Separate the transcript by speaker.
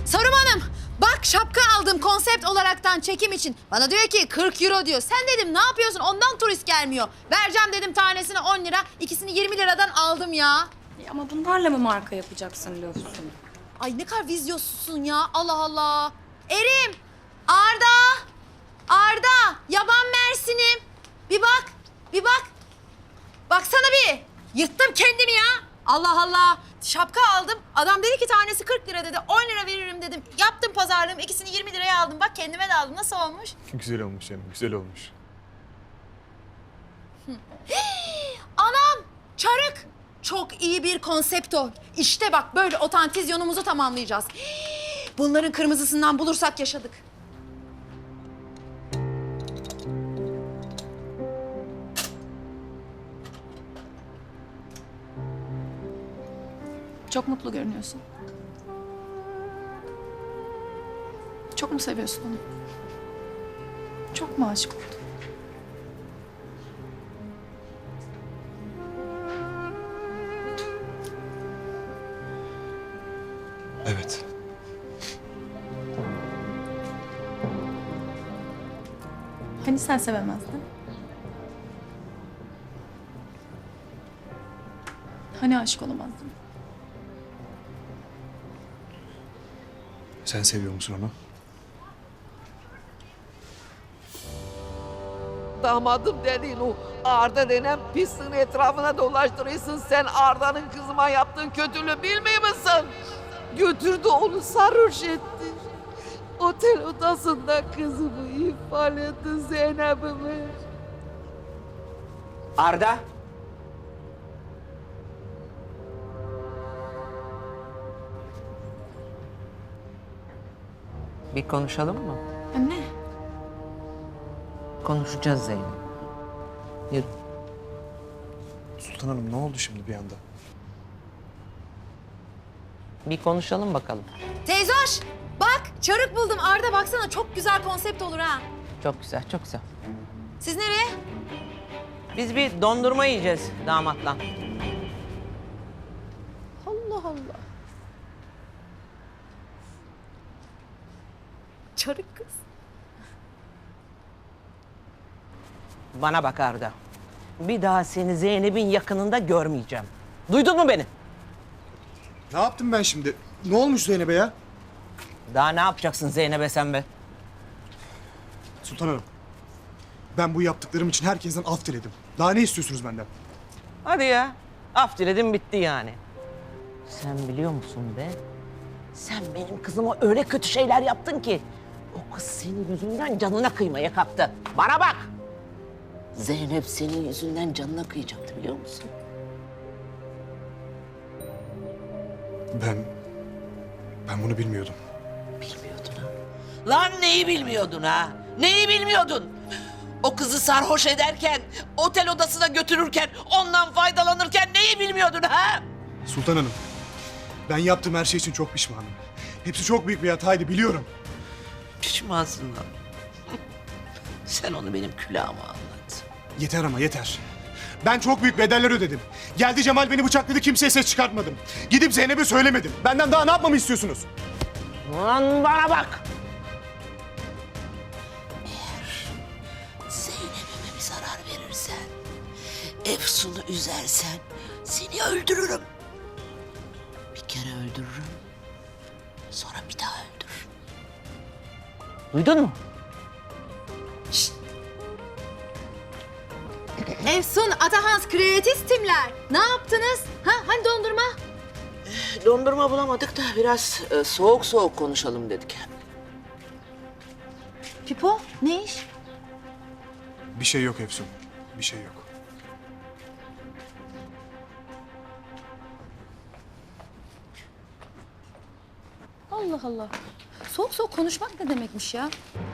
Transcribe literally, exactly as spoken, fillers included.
Speaker 1: Sarum Hanım, bak şapka aldım konsept olaraktan çekim için. Bana diyor ki kırk euro diyor. Sen dedim ne yapıyorsun, ondan turist gelmiyor. Vereceğim dedim tanesine on lira, ikisini yirmi liradan aldım ya.
Speaker 2: E ama bunlarla mı marka yapacaksın Löfsun?
Speaker 1: Ay ne kadar vizyonsuzsun ya, Allah Allah. Erim, Arda, Arda, yaban mersinim. Bir bak, bir bak. Baksana bir, yırttım kendimi ya. Allah Allah, şapka aldım. Adam dedi ki tanesi kırk lira dedi, on lira veririm dedim. Yaptım pazarlığımı, ikisini yirmi liraya aldım. Bak kendime de aldım, nasıl olmuş?
Speaker 3: Güzel olmuş canım, güzel olmuş.
Speaker 1: Anam, çarık. Çok iyi bir konsept o. İşte bak böyle otantizyonumuzu tamamlayacağız. Bunların kırmızısından bulursak yaşadık.
Speaker 2: Çok mutlu görünüyorsun. Çok mu seviyorsun onu? Çok mu aşık oldun?
Speaker 3: Evet.
Speaker 2: Hani sen sevemezdin? Hani aşık olamazdın?
Speaker 3: Sen seviyor musun onu?
Speaker 4: Damadım dediğin o Arda denen pisliğin etrafına dolaştırıyorsun. Sen Arda'nın kızıma yaptığın kötülüğü bilmiyor musun? Götürdü onu sarhoş etti. Otel odasında kızımı ifade etti Zeynep'imi.
Speaker 5: Arda. Bir konuşalım mı?
Speaker 2: Anne.
Speaker 5: Konuşacağız Zeynep. Yürü.
Speaker 3: Sultan Hanım ne oldu şimdi bir anda?
Speaker 5: Bir konuşalım bakalım.
Speaker 1: Teyze hoş, bak çarık buldum. Arda baksana çok güzel konsept olur ha.
Speaker 5: Çok güzel, çok güzel.
Speaker 1: Siz nereye?
Speaker 5: Biz bir dondurma yiyeceğiz damatla.
Speaker 1: Allah Allah. Çarık kız.
Speaker 5: Bana bak Arda. Bir daha seni Zeynep'in yakınında görmeyeceğim. Duydun mu beni?
Speaker 3: Ne yaptım ben şimdi? Ne olmuş Zeynep'e ya?
Speaker 5: Daha ne yapacaksın Zeynep'e sen be?
Speaker 3: Sultan Hanım, ben bu yaptıklarım için herkesten af diledim. Daha ne istiyorsunuz benden?
Speaker 5: Hadi ya. Af diledim bitti yani. Sen biliyor musun be? Sen benim kızıma öyle kötü şeyler yaptın ki... ...o kız senin yüzünden canına kıymaya kalktı. Bana bak! Zeynep senin yüzünden canına kıyacaktı biliyor musun?
Speaker 3: Ben... Ben bunu bilmiyordum.
Speaker 5: Bilmiyordun ha. Lan neyi bilmiyordun ha? Neyi bilmiyordun? O kızı sarhoş ederken, otel odasına götürürken, ondan faydalanırken neyi bilmiyordun ha?
Speaker 3: Sultan Hanım, ben yaptığım her şey için çok pişmanım. Hepsi çok büyük bir hataydı, biliyorum.
Speaker 5: Pişmansın lan. Sen onu benim külahıma anlat.
Speaker 3: Yeter ama yeter. Ben çok büyük bedeller ödedim. Geldi Cemal beni bıçakladı, kimseye ses çıkartmadım. Gidip Zeynep'e söylemedim. Benden daha ne yapmamı istiyorsunuz?
Speaker 5: Lan bana bak! Eğer Zeynep'ime bir zarar verirsen, Efsun'u üzersen seni öldürürüm. Bir kere öldürürüm, sonra bir daha öldürürüm. Duydun mu?
Speaker 1: Efsun, Atahans, kreatistimler. Ne yaptınız? Ha, hani dondurma?
Speaker 5: Dondurma bulamadık da biraz e, soğuk soğuk konuşalım dedik.
Speaker 1: Pipo, ne iş?
Speaker 3: Bir şey yok Efsun, bir şey yok.
Speaker 1: Allah Allah. Soğuk soğuk konuşmak ne demekmiş ya?